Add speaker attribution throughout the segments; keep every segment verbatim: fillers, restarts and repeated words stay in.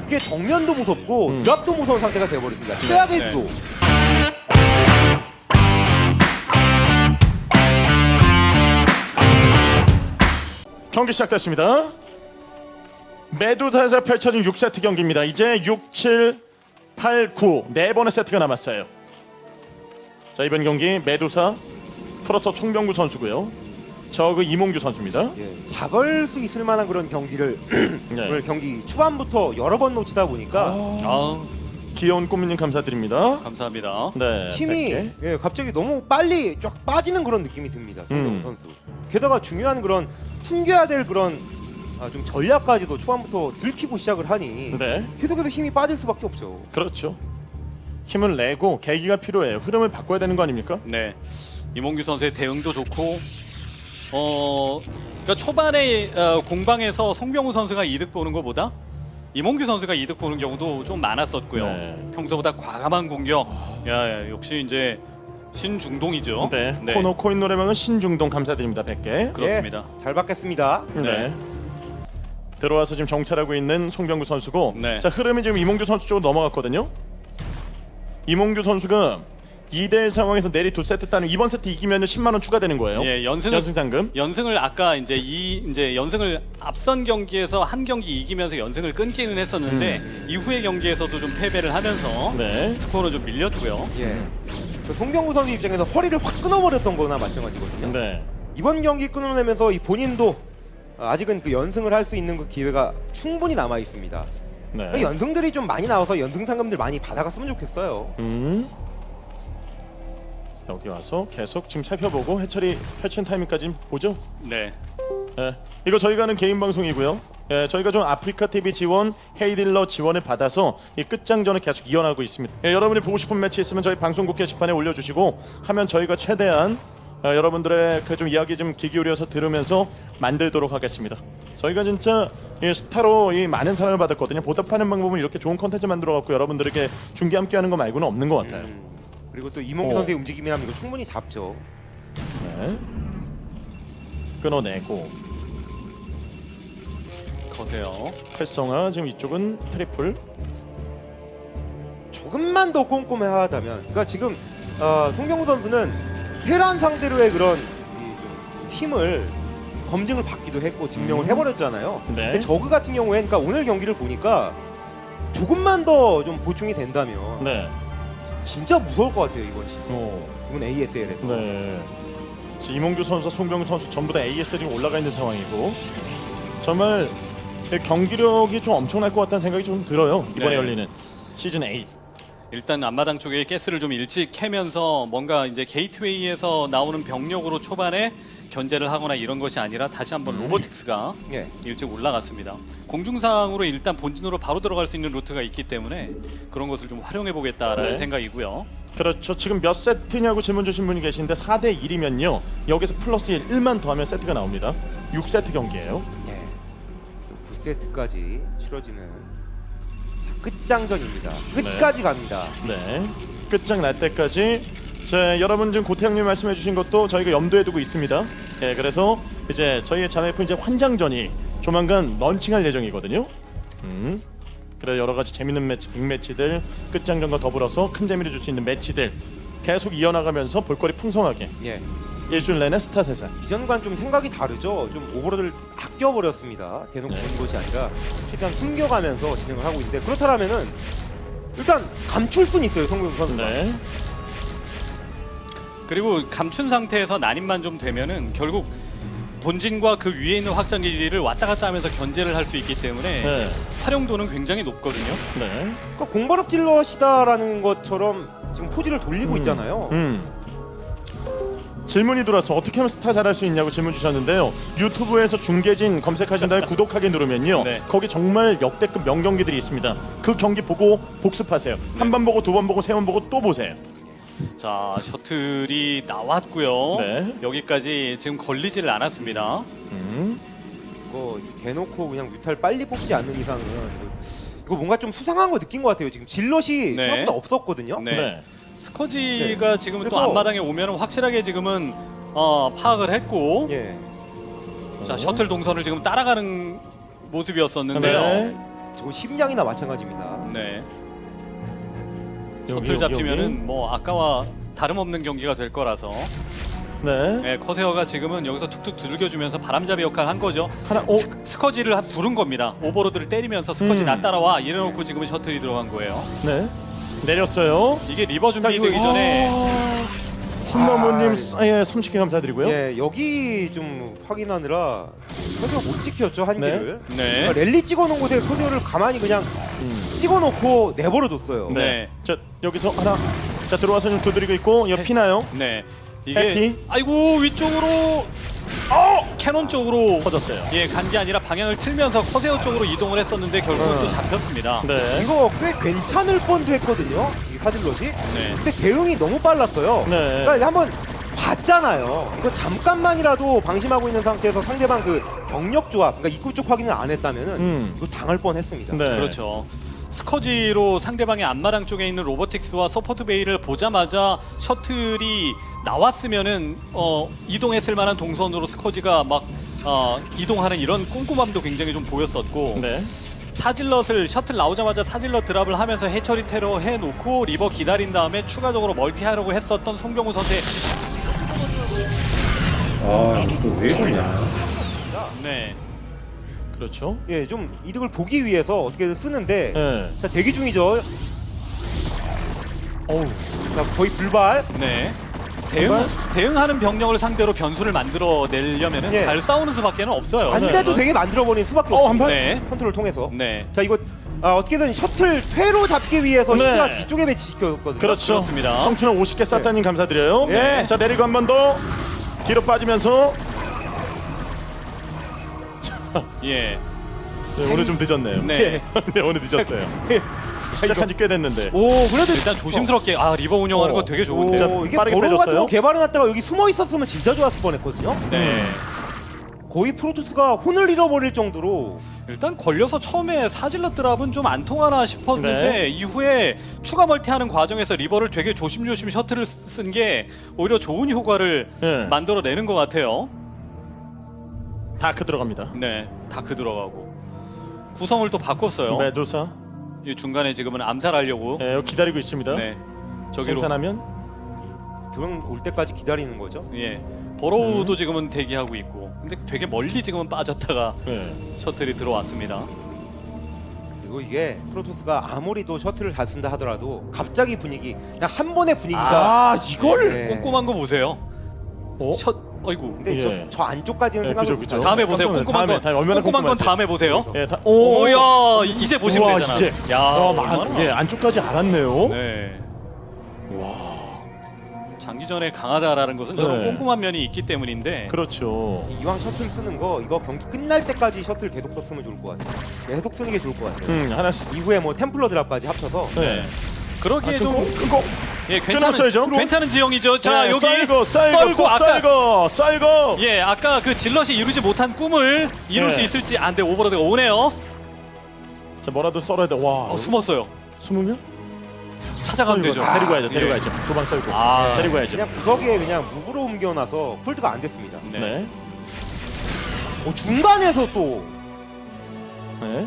Speaker 1: 이게 정면도 무섭고
Speaker 2: 음.
Speaker 1: 드랍도 무서운 상태가 되어버렸습니다. 최악의
Speaker 3: 네.
Speaker 1: 구도.
Speaker 2: 경기 시작됐습니다. 메두사에서 펼쳐진 육 세트 경기입니다. 이제 육, 칠, 팔, 구 네 번의 세트가 남았어요. 자, 이번 경기 메두사 프로토 송병구 선수고요. 저그 이몽규 선수입니다.
Speaker 1: 예, 잡을 수 있을 만한 그런 경기를
Speaker 2: 네.
Speaker 1: 오늘 경기 초반부터 여러 번 놓치다 보니까
Speaker 3: 아,
Speaker 2: 귀여운 꽃미님 감사드립니다.
Speaker 3: 감사합니다.
Speaker 2: 네,
Speaker 1: 힘이
Speaker 2: 백 개.
Speaker 1: 예, 갑자기 너무 빨리 쫙 빠지는 그런 느낌이 듭니다. 송병구
Speaker 2: 음.
Speaker 1: 선수. 게다가 중요한 그런 숨겨야 될 그런 아, 좀 전략까지도 초반부터 들키고 시작을 하니
Speaker 2: 네,
Speaker 1: 계속해서 힘이 빠질 수밖에 없죠.
Speaker 2: 그렇죠. 힘을 내고 계기가 필요해요. 흐름을 바꿔야 되는 거 아닙니까?
Speaker 3: 네, 이몽규 선수의 대응도 좋고, 어, 그러니까 초반에 어, 공방에서 송병우 선수가 이득 보는 것보다 이몽규 선수가 이득 보는 경우도 좀 많았었고요.
Speaker 2: 네.
Speaker 3: 평소보다 과감한 공격. 야, 야, 역시 이제 신중동이죠.
Speaker 2: 네, 코너 코인 노래방은 신중동 감사드립니다. 백 개.
Speaker 3: 그렇습니다.
Speaker 1: 예, 잘 받겠습니다.
Speaker 2: 네.
Speaker 3: 네.
Speaker 2: 들어와서 지금 정찰하고 있는 송병구 선수고,
Speaker 3: 네.
Speaker 2: 자, 흐름이 지금 이몽규 선수 쪽으로 넘어갔거든요. 이몽규 선수가 이 대 일 상황에서 내리 두 세트 따는 이번 세트 이기면 십만 원 추가되는 거예요.
Speaker 3: 예, 연승을
Speaker 2: 연승 상금.
Speaker 3: 연승을 아까 이제 이 이제 연승을 앞선 경기에서 한 경기 이기면서 연승을 끊기는 했었는데 이후의 경기에서도 좀 패배를 하면서
Speaker 2: 네.
Speaker 3: 스코어는 좀 밀렸고요.
Speaker 1: 예. 그 송병구 선수 입장에서 허리를 확 끊어버렸던 거나 마찬가지거든요.
Speaker 2: 네.
Speaker 1: 이번 경기 끊어내면서 이 본인도 아직은 그 연승을 할 수 있는 그 기회가 충분히 남아 있습니다.
Speaker 2: 네.
Speaker 1: 연승들이 좀 많이 나와서 연승 상금들 많이 받아갔으면 좋겠어요.
Speaker 2: 음. 여기 와서 계속 지금 살펴보고 해처리 펼친 타이밍까지 보죠.
Speaker 3: 네.
Speaker 2: 예, 이거 저희가 하는 개인 방송이고요. 예, 저희가 좀 아프리카 티비 지원, 헤이딜러 지원을 받아서 이 끝장전을 계속 이어나가고 있습니다. 예, 여러분이 보고 싶은 매치 있으면 저희 방송국 게시판에 올려주시고 하면 저희가 최대한 어, 여러분들의 그 좀 이야기 좀 귀 기울여서 들으면서 만들도록 하겠습니다. 저희가 진짜 이 스타로 이 많은 사랑을 받았거든요. 보답하는 방법은 이렇게 좋은 컨텐츠 만들어갖고 여러분들에게 중계 함께하는 거 말고는 없는 것 같아요.
Speaker 1: 음. 그리고 또 이몽규
Speaker 2: 어.
Speaker 1: 선수의 움직임이라면 이거 충분히 잡죠.
Speaker 2: 네. 끊어내고
Speaker 3: 거세요.
Speaker 2: 활성화. 지금 이쪽은 트리플.
Speaker 1: 조금만 더 꼼꼼하다면, 그러니까 지금 어, 송병구 선수는 테란 상대로의 그런 이, 좀 힘을 검증을 받기도 했고 증명을
Speaker 2: 음.
Speaker 1: 해버렸잖아요.
Speaker 2: 네.
Speaker 1: 근데 저그 같은 경우에, 그러니까 오늘 경기를 보니까 조금만 더 좀 보충이 된다면
Speaker 2: 네.
Speaker 1: 진짜 무서울 것 같아요 이번 시즌.
Speaker 2: 어.
Speaker 1: 이번 에이에스엘에서.
Speaker 2: 네. 지금 이몽규 선수, 송병구 선수 전부 다 에이에스 지금 올라가 있는 상황이고 정말 경기력이 좀 엄청날 것 같다는 생각이 좀 들어요. 이번에
Speaker 3: 네.
Speaker 2: 열리는 시즌 팔.
Speaker 3: 일단 앞마당 쪽에 가스를 좀 일찍 캐면서 뭔가 이제 게이트웨이에서 나오는 병력으로 초반에 견제를 하거나 이런 것이 아니라 다시 한번 로보틱스가
Speaker 1: 예.
Speaker 3: 일찍 올라갔습니다. 공중상으로 일단 본진으로 바로 들어갈 수 있는 루트가 있기 때문에 그런 것을 좀 활용해 보겠다라는
Speaker 2: 네.
Speaker 3: 생각이고요.
Speaker 2: 그렇죠. 지금 몇 세트냐고 질문 주신 분이 계신데 사 대 일이면요. 여기서 플러스 일, 일만 더하면 세트가 나옵니다. 육 세트 경기예요.
Speaker 1: 예. 구 세트까지 치러지는 자, 끝장전입니다. 끝까지 갑니다.
Speaker 2: 네. 끝장 날 때까지 자, 여러분 지금 고태형님 말씀해 주신 것도 저희가 염두에 두고 있습니다. 예, 그래서 이제 저희의 자매프 이제 환장전이 조만간 런칭할 예정이거든요. 음. 그래 여러 가지 재밌는 매치, 빅매치들 끝장전과 더불어서 큰 재미를 줄 수 있는 매치들 계속 이어나가면서 볼거리 풍성하게
Speaker 1: 예.
Speaker 2: 일주일 내내 스타 세상.
Speaker 1: 이전과는 좀 생각이 다르죠. 좀 오버로드를 아껴버렸습니다. 대놓고
Speaker 2: 네.
Speaker 1: 보는 것이 아니라 최대한 숨겨가면서 진행을 하고 있는데, 그렇다면은 일단 감출 수는 있어요, 송병구 선수가.
Speaker 2: 네.
Speaker 3: 그리고 감춘 상태에서 난입만 좀 되면은 결국 본진과 그 위에 있는 확장 기지를 왔다 갔다 하면서 견제를 할 수 있기 때문에
Speaker 2: 네.
Speaker 3: 활용도는 굉장히 높거든요.
Speaker 2: 네.
Speaker 1: 그러니까 공바럭 질럿이다라는 것처럼 지금 포즈를 돌리고 있잖아요.
Speaker 2: 음. 질문이 들어와서 어떻게 하면 스타 잘할 수 있냐고 질문 주셨는데요. 유튜브에서 중계진 검색하신 다음에 구독하기 누르면요.
Speaker 3: 네.
Speaker 2: 거기 정말 역대급 명경기들이 있습니다. 그 경기 보고 복습하세요. 한 번 보고 두 번 보고 세 번 보고 또 보세요.
Speaker 3: 자, 셔틀이 나왔고요.
Speaker 2: 네.
Speaker 3: 여기까지 지금 걸리지를 않았습니다.
Speaker 2: 음.
Speaker 1: 이거 대놓고 그냥 뮤탈 빨리 뽑지 않는 이상은 이거, 이거 뭔가 좀 수상한 거 느낀 것 같아요. 지금 질럿이
Speaker 3: 네.
Speaker 1: 생각보다 없었거든요.
Speaker 3: 네.
Speaker 2: 네.
Speaker 3: 스커지가
Speaker 1: 네.
Speaker 3: 지금 또
Speaker 1: 그래서-
Speaker 3: 앞마당에 오면 확실하게 지금은 어, 파악을 했고
Speaker 1: 예.
Speaker 3: 자, 셔틀 동선을 지금 따라가는 모습이었는데요.
Speaker 2: 네.
Speaker 1: 저 심장이나 마찬가지입니다.
Speaker 3: 네.
Speaker 2: 여기,
Speaker 3: 셔틀
Speaker 2: 여기,
Speaker 3: 잡히면은
Speaker 2: 여기.
Speaker 3: 뭐 아까와 다름없는 경기가 될 거라서
Speaker 2: 네.
Speaker 3: 네, 커세어가 지금은 여기서 툭툭 두들겨주면서 바람잡이 역할을 한 거죠.
Speaker 2: 하나 오.
Speaker 3: 스, 스커지를 한- 부른 겁니다. 오버로드를 때리면서 스커지
Speaker 2: 음.
Speaker 3: 나 따라와 이래놓고 지금은 셔틀이 들어간 거예요.
Speaker 2: 네. 내렸어요.
Speaker 3: 이게 리버
Speaker 1: 자, 이거-
Speaker 3: 준비되기 전에
Speaker 2: 흰너무님
Speaker 1: 아,
Speaker 2: 예, 삼십 개 감사드리고요.
Speaker 1: 예, 여기 좀 확인하느라 커세어 못 지켰죠 한
Speaker 2: 네.
Speaker 1: 개를.
Speaker 3: 네.
Speaker 1: 그러니까 랠리 찍어놓은 곳에 커세어를 가만히 그냥
Speaker 2: 음.
Speaker 1: 찍어놓고 내버려뒀어요.
Speaker 2: 네.
Speaker 3: 네.
Speaker 2: 자 여기서 하나. 자 들어와서 좀 두드리고 있고 옆 피나요?
Speaker 3: 네. 이게
Speaker 2: 해피.
Speaker 3: 아이고 위쪽으로 어! 캐논 쪽으로
Speaker 2: 터졌어요.
Speaker 3: 예, 간 게 아니라 방향을 틀면서 커세어 쪽으로 이동을 했었는데 결국은
Speaker 1: 어.
Speaker 3: 또 잡혔습니다.
Speaker 2: 네.
Speaker 1: 이거 꽤 괜찮을 뻔도 했거든요. 이 사질럿이.
Speaker 3: 네.
Speaker 1: 근데 대응이 너무 빨랐어요.
Speaker 2: 네.
Speaker 1: 그러니까 한번 봤잖아요. 이거 잠깐만이라도 방심하고 있는 상태에서 상대방 그 병력 조합, 그러니까 입구 쪽 확인을 안 했다면은
Speaker 2: 음.
Speaker 1: 이거 당할 뻔했습니다.
Speaker 2: 네.
Speaker 3: 그렇죠. 스커지로 상대방의 앞마당 쪽에 있는 로보틱스와 서포트 베이를 보자마자 셔틀이 나왔으면은 어, 이동했을 만한 동선으로 스커지가 막 어, 이동하는 이런 꼼꼼함도 굉장히 좀 보였었고
Speaker 2: 네.
Speaker 3: 사질럿을 셔틀 나오자마자 사질럿 드랍을 하면서 해처리 테러 해놓고 리버 기다린 다음에 추가적으로 멀티하려고 했었던 송병우 선수의
Speaker 1: 아, 이거 왜 그러냐.
Speaker 3: 네.
Speaker 2: 그렇죠.
Speaker 1: 예, 좀 이득을 보기 위해서 어떻게든 쓰는데
Speaker 2: 네.
Speaker 1: 자, 대기 중이죠. 어우, 자, 거의 불발.
Speaker 3: 네. 대응,
Speaker 2: 정말?
Speaker 3: 대응하는 병력을 상대로 변수를 만들어내려면
Speaker 1: 예.
Speaker 3: 잘 싸우는 수밖에 없어요.
Speaker 1: 안 돼도 되게 만들어버린 수밖에
Speaker 2: 어, 한
Speaker 1: 없습니다.
Speaker 2: 발?
Speaker 3: 네.
Speaker 1: 컨트롤 통해서.
Speaker 3: 네.
Speaker 1: 자, 이거 아, 어떻게든 셔틀 퇴로 잡기 위해서
Speaker 2: 네.
Speaker 1: 시트가 뒤쪽에 배치시켰거든요.
Speaker 2: 그렇죠.
Speaker 3: 그렇습니다.
Speaker 2: 성춘은 오십 개 쌌다님 감사드려요.
Speaker 1: 네.
Speaker 2: 자 내리고 한 번 더 뒤로 빠지면서
Speaker 3: 예.
Speaker 2: 네, 오늘 좀 늦었네요.
Speaker 3: 네.
Speaker 2: 네 오늘 늦었어요. 시작한 지 꽤 됐는데.
Speaker 1: 오, 그래도
Speaker 3: 일단 조심스럽게 아 리버 운영하는
Speaker 2: 어.
Speaker 3: 거 되게
Speaker 1: 오,
Speaker 3: 좋은데요.
Speaker 1: 이게
Speaker 2: 빠르게
Speaker 1: 버로 같은
Speaker 2: 빼줬어요.
Speaker 1: 거 개발해놨다가 여기 숨어 있었으면 진짜 좋았을 뻔했거든요.
Speaker 3: 네.
Speaker 1: 거의 프로토스가 혼을 잃어버릴 정도로
Speaker 3: 일단 걸려서 처음에 사질럿 드랍은 좀 안 통하나 싶었는데
Speaker 2: 네.
Speaker 3: 이후에 추가 멀티하는 과정에서 리버를 되게 조심조심 셔틀을 쓴 게 오히려 좋은 효과를
Speaker 2: 네.
Speaker 3: 만들어내는 것 같아요.
Speaker 2: 다크 들어갑니다.
Speaker 3: 네. 다크 들어가고 구성을 또 바꿨어요.
Speaker 2: 메두사
Speaker 3: 이 중간에 지금은 암살하려고.
Speaker 2: 네, 여기 기다리고 있습니다.
Speaker 3: 네. 저기로.
Speaker 2: 생산하면
Speaker 1: 들어올 때까지 기다리는 거죠.
Speaker 3: 예. 버로우도
Speaker 2: 음.
Speaker 3: 지금은 대기하고 있고. 근데 되게 멀리 지금은 빠졌다가
Speaker 2: 네.
Speaker 3: 셔틀이 들어왔습니다.
Speaker 1: 그리고 이게 프로토스가 아무리 또 셔틀을 잘 쓴다 하더라도 갑자기 분위기 그냥 한 번의 분위기가
Speaker 2: 아 이걸
Speaker 1: 네.
Speaker 3: 꼼꼼한 거 보세요.
Speaker 2: 어?
Speaker 3: 셔 어이구.
Speaker 1: 근데
Speaker 2: 예.
Speaker 1: 저, 저 안쪽까지는
Speaker 2: 네,
Speaker 1: 생각을
Speaker 2: 그죠, 그죠.
Speaker 1: 못하죠.
Speaker 3: 다음에 보세요.
Speaker 2: 깜짝
Speaker 3: 꼼꼼한
Speaker 2: 놀랐어요.
Speaker 3: 건
Speaker 2: 다음에, 다음에 얼마나
Speaker 3: 꼼꼼한 건
Speaker 2: 꼼꼼한지.
Speaker 3: 다음에 보세요.
Speaker 2: 예, 다, 오,
Speaker 3: 오야 이제 보시면
Speaker 2: 우와,
Speaker 3: 되잖아.
Speaker 2: 이제.
Speaker 3: 야,
Speaker 2: 어,
Speaker 3: 얼마나.
Speaker 2: 만, 예, 안쪽까지 알았네요.
Speaker 3: 네.
Speaker 2: 와,
Speaker 3: 장기전에 강하다라는 것은 저런
Speaker 2: 네.
Speaker 3: 꼼꼼한 면이 있기 때문인데.
Speaker 2: 그렇죠.
Speaker 1: 이왕 셔틀 쓰는 거 이거 경기 끝날 때까지 셔틀 계속 썼으면 좋을 것 같아요. 계속 쓰는 게 좋을 것 같아요.
Speaker 2: 음, 하나씩.
Speaker 1: 이후에 뭐 템플러 드랍까지 합쳐서
Speaker 3: 네. 그러기에
Speaker 2: 아,
Speaker 3: 좀
Speaker 2: 끊고, 끊고.
Speaker 3: 예, 괜찮은
Speaker 2: 끊었어야죠.
Speaker 3: 괜찮은 지형이죠. 자,
Speaker 2: 네,
Speaker 3: 여기
Speaker 2: 썰고, 썰고,
Speaker 3: 썰고
Speaker 2: 또
Speaker 3: 아까
Speaker 2: 썰고, 썰고.
Speaker 3: 예, 아까 그 질럿이 이루지 못한 꿈을 이룰
Speaker 2: 네.
Speaker 3: 수 있을지 안 돼. 오버로드가 오네요.
Speaker 2: 자, 뭐라도 썰어야 돼. 와,
Speaker 3: 어, 숨었어요.
Speaker 2: 숨으면?
Speaker 3: 찾아가면
Speaker 2: 썰고.
Speaker 3: 되죠.
Speaker 2: 데리고 가야죠,
Speaker 3: 예.
Speaker 2: 데리고 가야죠. 도망 썰고.
Speaker 3: 아.
Speaker 2: 데리고 가야죠.
Speaker 1: 그냥 구석에 그냥 무브로 옮겨놔서 폴드가 안 됐습니다.
Speaker 3: 네.
Speaker 2: 네.
Speaker 1: 어, 중간에서 또
Speaker 2: 네.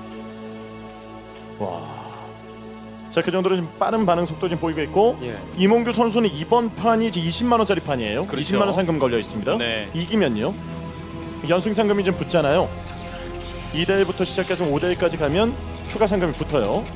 Speaker 2: 와. 자, 그 정도로 지금 빠른 반응 속도 지금 보이고 있고
Speaker 1: 예.
Speaker 2: 이몽규 선수는 이번 판이 이제 이십만 원짜리 판이에요.
Speaker 3: 그렇죠.
Speaker 2: 이십만 원 상금 걸려 있습니다.
Speaker 3: 네.
Speaker 2: 이기면요. 연승 상금이 좀 붙잖아요. 이 대 일부터 시작해서 오 대 일까지 가면 추가 상금이 붙어요.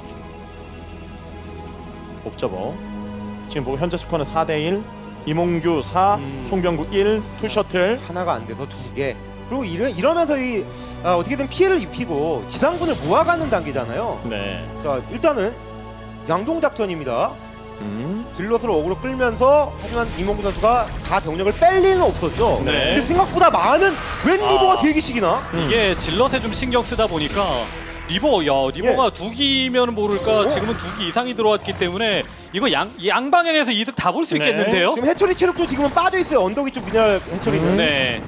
Speaker 2: 옵저버. 지금 보고 현재 스코어는 사 대 일. 이몽규 사,
Speaker 1: 음.
Speaker 2: 송병구 일, 투 셔틀.
Speaker 1: 하나가 안 돼서 두 개. 그리고 이러, 이러면서 이 아, 어떻게든 피해를 입히고 지상군을 모아가는 단계잖아요.
Speaker 2: 네.
Speaker 1: 자, 일단은 양동 작전입니다.
Speaker 2: 음.
Speaker 1: 딜럿을 어그로 끌면서 하지만 이몽구 선수가 다 병력을 뺄 리는 없었죠.
Speaker 2: 네.
Speaker 1: 근데 생각보다 많은 웬 리버가
Speaker 3: 아.
Speaker 1: 세 개씩이나?
Speaker 3: 이게 질럿에 좀 신경 쓰다 보니까 리버, 야, 리버가 두 기면 모를까
Speaker 1: 어?
Speaker 3: 지금은 두 기 이상이 들어왔기 때문에 이거 양, 양방향에서 이득 다 볼 수
Speaker 2: 네.
Speaker 3: 있겠는데요?
Speaker 1: 지금 해처리 체력도 지금은 빠져 있어요. 언덕 위쪽 미네랄 해처리는.
Speaker 3: 네.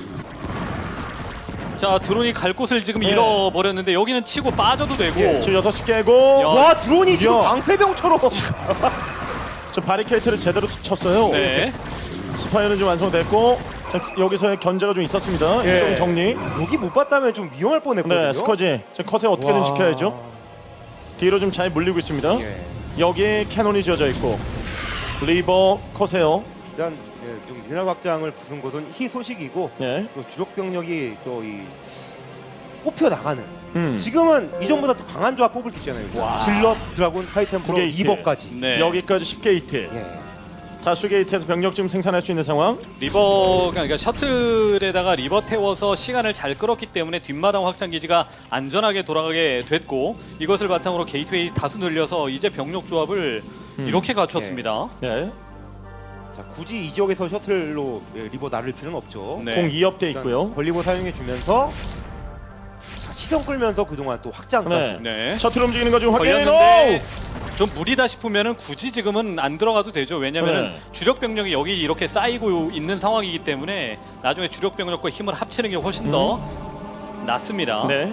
Speaker 3: 자, 드론이 갈 곳을 지금
Speaker 2: 네.
Speaker 3: 잃어버렸는데 여기는 치고 빠져도 되고.
Speaker 1: 예.
Speaker 2: 지금 여섯 시 깨고
Speaker 3: 야.
Speaker 1: 와, 드론이 지금
Speaker 2: 야.
Speaker 1: 방패병처럼.
Speaker 2: 저 바리케이트를 제대로 쳤어요.
Speaker 3: 네.
Speaker 2: 스파이어는 좀 완성됐고 자, 여기서의 견제가 좀 있었습니다.
Speaker 1: 예.
Speaker 2: 좀 정리.
Speaker 1: 여기 못 봤다면 좀 위험할 뻔했거든요.
Speaker 2: 네, 스커지. 자, 컷에 어떻게든
Speaker 1: 와.
Speaker 2: 지켜야죠. 뒤로 좀 잘 물리고 있습니다.
Speaker 1: 예.
Speaker 2: 여기에 캐논이 지어져 있고 리버 컷에요.
Speaker 1: 일단 예, 좀 미네랄 확장을 부순 것은 희소식이고
Speaker 2: 예.
Speaker 1: 또 주력 병력이 또 이 뽑혀 나가는.
Speaker 2: 음.
Speaker 1: 지금은 이전보다 더 강한 조합 뽑을 수 있잖아요.
Speaker 3: 와.
Speaker 1: 질럿, 드라군, 하이템플러,
Speaker 2: 구게이트.
Speaker 1: 리버까지.
Speaker 3: 네.
Speaker 2: 여기까지 십 게이트.
Speaker 1: 예.
Speaker 2: 다수 게이트에서 병력 지금 생산할 수 있는 상황.
Speaker 3: 리버가 그러니까 셔틀에다가 리버 태워서 시간을 잘 끌었기 때문에 뒷마당 확장 기지가 안전하게 돌아가게 됐고 이것을 바탕으로 게이트웨이 다수 늘려서 이제 병력 조합을 이렇게 갖췄습니다.
Speaker 2: 예.
Speaker 1: 자, 굳이 이 지역에서 셔틀로 예, 리버 나를 필요는 없죠.
Speaker 3: 네.
Speaker 2: 공 이 업 돼 있고요.
Speaker 1: 벌리버 사용해 주면서 자, 시선 끌면서 그동안 또 확장까지.
Speaker 2: 네.
Speaker 3: 네.
Speaker 2: 셔틀 움직이는 거 좀 확인해
Speaker 3: 걸렸는데
Speaker 2: 놓.
Speaker 3: 좀 무리다 싶으면은 굳이 지금은 안 들어가도 되죠. 왜냐면은
Speaker 2: 네.
Speaker 3: 주력 병력이 여기 이렇게 쌓이고 있는 상황이기 때문에 나중에 주력 병력과 힘을 합치는 게 훨씬 더 낫습니다.
Speaker 2: 네.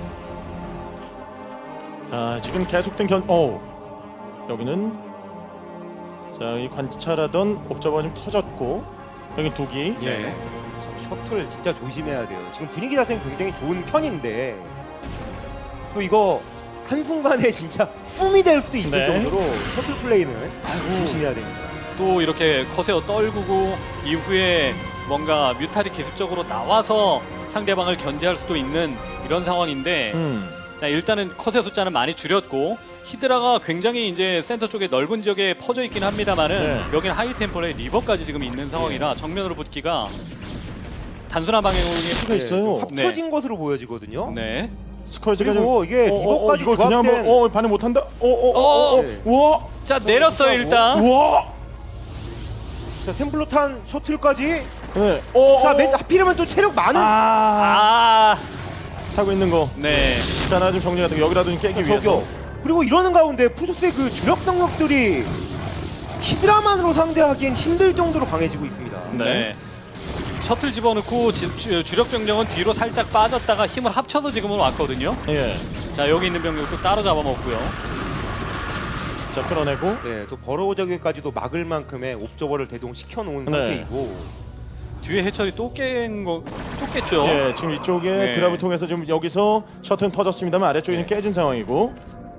Speaker 2: 아, 지금 계속된 견. 오. 여기는 자, 이 관찰하던 옵저버가 좀 터졌고 여기 두기.
Speaker 3: 네.
Speaker 1: 자, 셔틀 진짜 조심해야 돼요. 지금 분위기 자체는 굉장히 좋은 편인데 또 이거 한순간에 진짜 뿜이 될 수도 있을
Speaker 2: 네.
Speaker 1: 정도로 셔틀 플레이는
Speaker 3: 아이고.
Speaker 1: 조심해야 됩니다.
Speaker 3: 또 이렇게 커세어 떨구고 이후에 뭔가 뮤탈이 기습적으로 나와서 상대방을 견제할 수도 있는 이런 상황인데
Speaker 2: 음.
Speaker 3: 자 일단은 컷의 숫자는 많이 줄였고 히드라가 굉장히 이제 센터 쪽에 넓은 지역에 퍼져 있긴 합니다만은
Speaker 2: 네.
Speaker 3: 여기는 하이템포에 리버까지 지금 있는 상황이라 정면으로 붙기가 단순한 방향으로
Speaker 2: 수가 있어요.
Speaker 1: 좀 합쳐진 것으로 보여지거든요.
Speaker 3: 네.
Speaker 2: 스커지가
Speaker 1: 그리고
Speaker 2: 좀
Speaker 1: 이게
Speaker 2: 어, 어,
Speaker 1: 리버까지
Speaker 2: 어, 이거 그냥
Speaker 1: 조합된-
Speaker 2: 한번 어, 반응 못 한다. 어, 어, 어, 어, 어.
Speaker 1: 네.
Speaker 2: 우와.
Speaker 3: 자 내렸어요 일단.
Speaker 2: 우와.
Speaker 1: 자, 템플로탄 셔틀까지.
Speaker 2: 네. 어,
Speaker 1: 자,
Speaker 2: 어.
Speaker 1: 맨 하필이면 또 체력 많은.
Speaker 2: 아.
Speaker 3: 아,
Speaker 2: 타고 있는 거.
Speaker 3: 네.
Speaker 2: 자, 나 좀 정리가 되고 여기라도 좀 깨기 위해서.
Speaker 1: 저기요. 그리고 이러는 가운데 푸조스의 그 주력 병력들이 히드라만으로 상대하기엔 힘들 정도로 강해지고 있습니다.
Speaker 2: 네.
Speaker 3: 네. 셔틀 집어넣고 지- 주, 주력 병력은 뒤로 살짝 빠졌다가 힘을 합쳐서 지금은 왔거든요.
Speaker 2: 예.
Speaker 3: 자 여기 있는 병력도 따로 잡아먹고요.
Speaker 2: 자, 끌어내고.
Speaker 1: 네, 또 버러우저기까지도 막을 만큼의 옵저버를 대동시켜 놓은
Speaker 2: 네.
Speaker 1: 상태이고.
Speaker 3: 뒤에 해철이 또 깬 거, 또 깼죠.
Speaker 2: 예, 지금 이쪽에
Speaker 3: 네.
Speaker 2: 드랍을 통해서 지금 여기서 셔틀은 터졌습니다만 아래쪽이 좀 깨진 상황이고.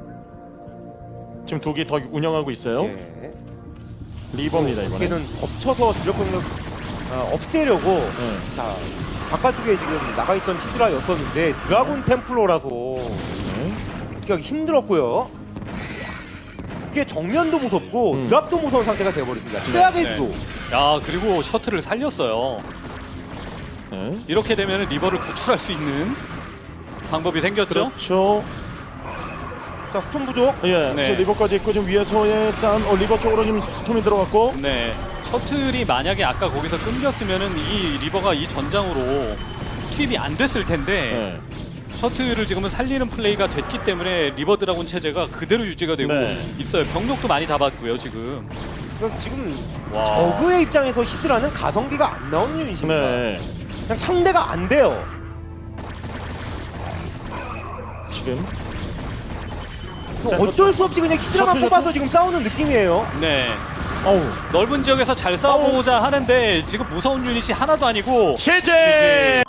Speaker 2: 지금 두 개 더 운영하고 있어요.
Speaker 1: 예.
Speaker 2: 리버입니다, 이번에.
Speaker 1: 이게는 겹쳐서 주력 병력 아, 없애려고.
Speaker 2: 네.
Speaker 1: 자, 바깥쪽에 지금 나가 있던 히드라였었는데 드라군 템플러라서
Speaker 2: 네.
Speaker 1: 어떻게 하기 힘들었고요. 이게 정면도 무섭고
Speaker 2: 음.
Speaker 1: 드랍도 무서운 상태가 되어버렸습니다. 최악의
Speaker 3: 네.
Speaker 1: 구도.
Speaker 3: 야 그리고 셔틀을 살렸어요.
Speaker 2: 네.
Speaker 3: 이렇게 되면 리버를 구출할 수 있는 방법이 생겼죠.
Speaker 2: 그렇죠.
Speaker 1: 자, 스톤 부족.
Speaker 2: 예,
Speaker 3: 네.
Speaker 2: 저 리버까지 있고 지금 위에서의 싸움, 어, 리버 쪽으로 지금 스톰이 들어갔고.
Speaker 3: 네. 셔틀이 만약에 아까 거기서 끊겼으면은 이 리버가 이 전장으로 투입이 안 됐을 텐데
Speaker 2: 네.
Speaker 3: 셔틀을 지금은 살리는 플레이가 됐기 때문에 리버 드라군 체제가 그대로 유지가 되고
Speaker 2: 네.
Speaker 3: 있어요. 병력도 많이 잡았고요 지금.
Speaker 1: 그럼 지금
Speaker 3: 와.
Speaker 1: 저그의 입장에서 히드라는 가성비가 안 나오는 유닛입니다.
Speaker 2: 네.
Speaker 1: 그냥 상대가 안 돼요.
Speaker 2: 지금.
Speaker 1: 그럼 어쩔 수 없이 그냥 히드라만
Speaker 2: 셔틀,
Speaker 1: 뽑아서 지금 싸우는 느낌이에요.
Speaker 3: 네.
Speaker 2: 어우.
Speaker 3: 넓은 지역에서 잘 싸워보자 하는데 지금 무서운 유닛이 하나도 아니고
Speaker 2: 제재!